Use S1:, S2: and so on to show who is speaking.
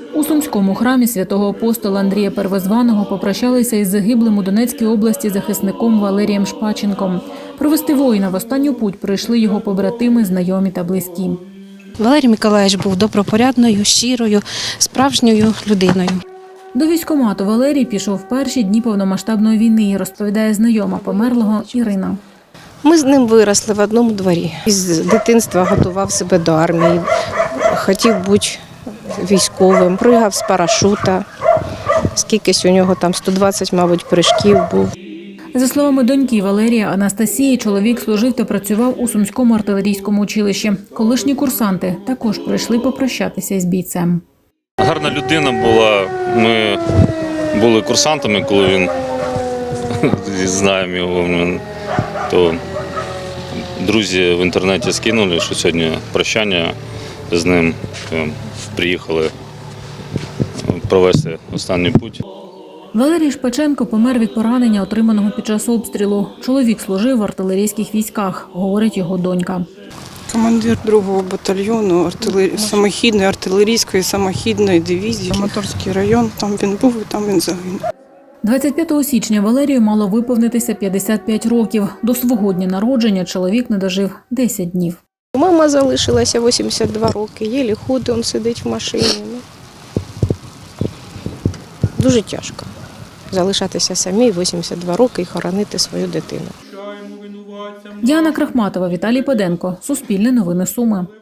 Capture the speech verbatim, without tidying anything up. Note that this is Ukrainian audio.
S1: У Сумському храмі святого апостола Андрія Первозваного попрощалися із загиблим у Донецькій області захисником Валерієм Шпаченком. Провести воїна в останню путь прийшли його побратими, знайомі та близькі.
S2: Валерій Миколаївич був добропорядною, щирою, справжньою людиною.
S1: До військкомату Валерій пішов в перші дні повномасштабної війни, розповідає знайома померлого Ірина.
S2: Ми з ним виросли в одному дворі. З дитинства готував себе до армії, хотів бути військовим, пригав з парашута. Скількись у нього там сто двадцять, мабуть, прыжків був.
S1: За словами доньки Валерія Анастасії, чоловік служив та працював у Сумському артилерійському училищі. Колишні курсанти також прийшли попрощатися із бійцем.
S3: Гарна людина була. Ми були курсантами, коли він, знаємо його, то друзі в інтернеті скинули, що сьогодні прощання з ним, приїхали провести останній путь.
S1: Валерій Шпаченко помер від поранення, отриманого під час обстрілу. Чоловік служив в артилерійських військах, говорить його донька.
S4: Командир другого батальйону артилер... самохідної артилерійської самохідної дивізії, Моторський район. Там він був і там він загинув.
S1: двадцять п'ятого січня Валерію мало виповнитися п'ятдесят п'ять років. До свого дня народження чоловік не дожив десять днів.
S2: Мама залишилася вісімдесят два роки, єлі ходить, він сидить в машині. Дуже тяжко залишатися самій вісімдесят два роки і хоронити свою дитину.
S1: Діана Крахматова, Віталій Педенко. Суспільне новини Суми.